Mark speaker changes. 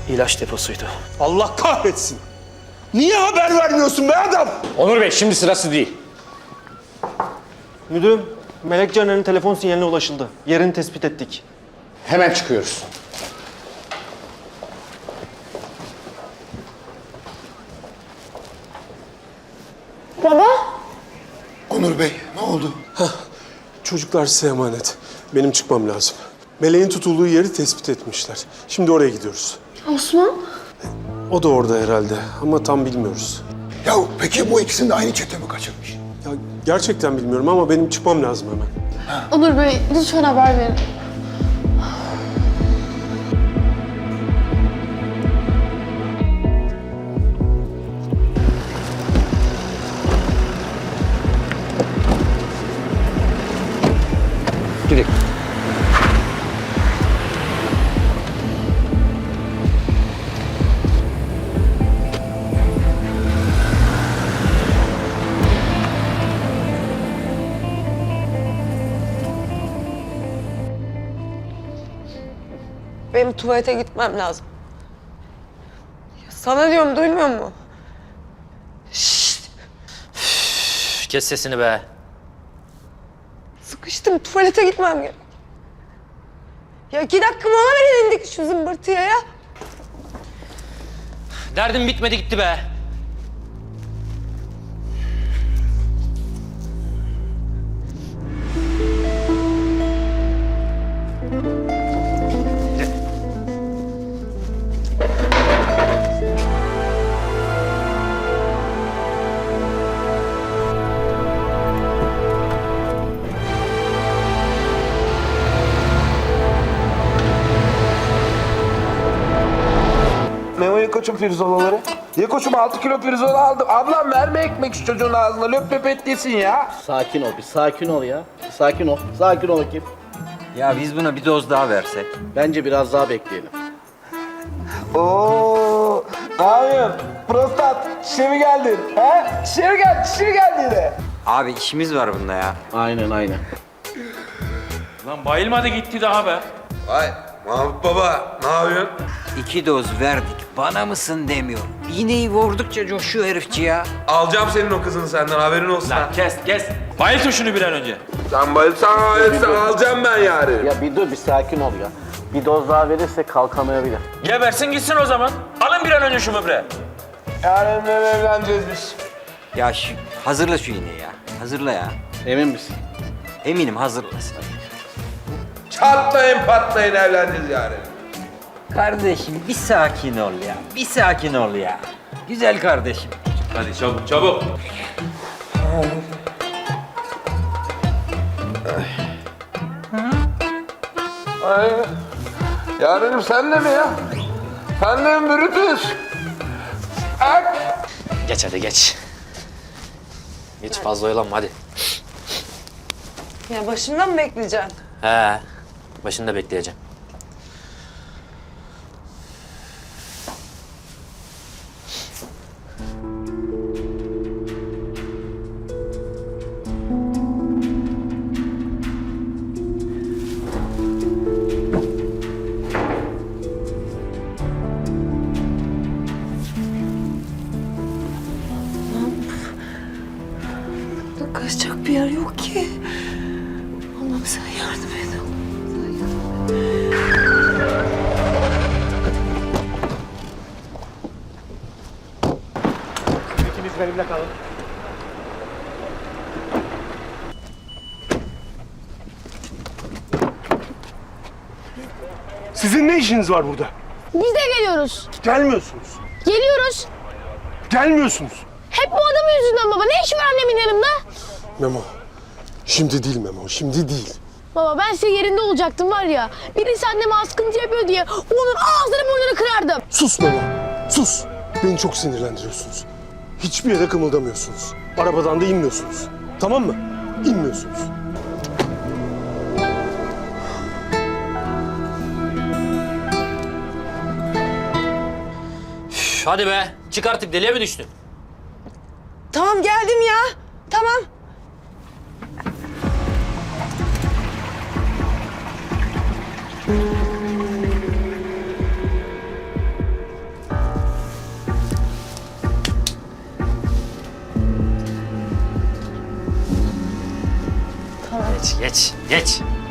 Speaker 1: İlaç deposuydu.
Speaker 2: Allah kahretsin. Niye haber vermiyorsun be adam?
Speaker 3: Onur Bey şimdi sırası değil.
Speaker 1: Müdürüm, Melek Caner'in telefon sinyaline ulaşıldı. Yerini tespit ettik.
Speaker 3: Hemen çıkıyoruz.
Speaker 4: Baba?
Speaker 5: Onur Bey, ne oldu?
Speaker 2: Çocuklar size emanet. Benim çıkmam lazım. Meleğin tutulduğu yeri tespit etmişler. Şimdi oraya gidiyoruz.
Speaker 4: Osman?
Speaker 2: O da orada herhalde ama tam bilmiyoruz.
Speaker 5: Ya peki bu ikisini de aynı çete mi kaçırmış?
Speaker 2: Ya gerçekten bilmiyorum ama benim çıkmam lazım hemen.
Speaker 4: Onur Bey, lütfen haber verin.
Speaker 3: Gidelim.
Speaker 6: Benim tuvalete gitmem lazım. Ya sana diyorum, duymuyor musun?
Speaker 7: Kes sesini be.
Speaker 6: Sıkıştım, tuvalete gitmem gerek. Ya 2 dakika mola verin, indik şu zımbırtıya ya.
Speaker 7: Derdim bitmedi gitti be.
Speaker 8: Memo ye koçum pirzolaları. Ye koçum 6 kilo pirzola aldım. Ablam verme ekmek şu çocuğun ağzına. Löp löp et yesin ya.
Speaker 9: Sakin ol, bir sakin ol ya. Sakin ol, sakin ol bakayım.
Speaker 7: Ya biz buna bir doz daha versek.
Speaker 9: Bence biraz daha bekleyelim.
Speaker 8: Oo, ne yapıyorsun? Prostat, şişe mi geldin? He? Şişe mi geldin? Şişe mi geldin yine?
Speaker 7: Abi işimiz var bunda ya.
Speaker 9: Aynen, aynen.
Speaker 3: Lan bayılmadı gitti daha be.
Speaker 8: Vay Mahmut baba, ne yapıyorsun?
Speaker 7: 2 doz verdik. Bana mısın demiyor. İğneyi vurdukça coşuyor herifçi ya.
Speaker 8: Alacağım senin o kızını senden, haberin olsun.
Speaker 3: Lan kes. Bayıltın şunu bir an önce.
Speaker 8: Sen bayılsan alacağım ben yarın.
Speaker 9: Ya bir dur, bir sakin ol ya. Bir doz daha verirse kalkamayabilir.
Speaker 3: Gebersin gitsin o zaman. Alın bir an önce şu böbreği.
Speaker 8: Yarın evleneceğiz biz.
Speaker 7: Ya hazırla şu iğneyi ya. Hazırla ya.
Speaker 9: Emin misin?
Speaker 7: Eminim hazırlasın.
Speaker 8: Çatlayın patlayın evleneceğiz yarın.
Speaker 7: Kardeşim bir sakin ol ya. Bir sakin ol ya. Güzel kardeşim.
Speaker 3: Hadi çabuk.
Speaker 8: Ay. Yarınım sen de mi ya? Sen de mi Brutus? Ak.
Speaker 7: Geç hadi geç. Geç fazla oyalanma hadi.
Speaker 6: Ya başımdan mı bekleyeceksin?
Speaker 7: He. Başında bekleyeceğim.
Speaker 6: Burada kaçacak bir yer yok ki. Allah'ım sen yardım et. Allah'ım sen yardım et.
Speaker 1: İkiniz benimle kalın.
Speaker 2: Sizin ne işiniz var burada?
Speaker 4: Biz de geliyoruz.
Speaker 2: Gelmiyorsunuz.
Speaker 4: Geliyoruz.
Speaker 2: Gelmiyorsunuz.
Speaker 4: Hep bu adamın yüzünden baba. Ne işi var annemin yanımda?
Speaker 2: Memo. Şimdi değil Memo, şimdi değil.
Speaker 4: Baba ben senin yerinde olacaktım var ya. Birisi anneme askıntı yapıyor diye onun ağzını burnunu kırardım.
Speaker 2: Sus Memo, sus. Beni çok sinirlendiriyorsunuz. Hiçbir yere kımıldamıyorsunuz. Arabadan da inmiyorsunuz. Tamam mı? İnmiyorsunuz.
Speaker 7: Üf, hadi be. Çık artık deliye mi düştün?
Speaker 6: Tamam geldim ya. Tamam.
Speaker 7: Geç, geç, geç.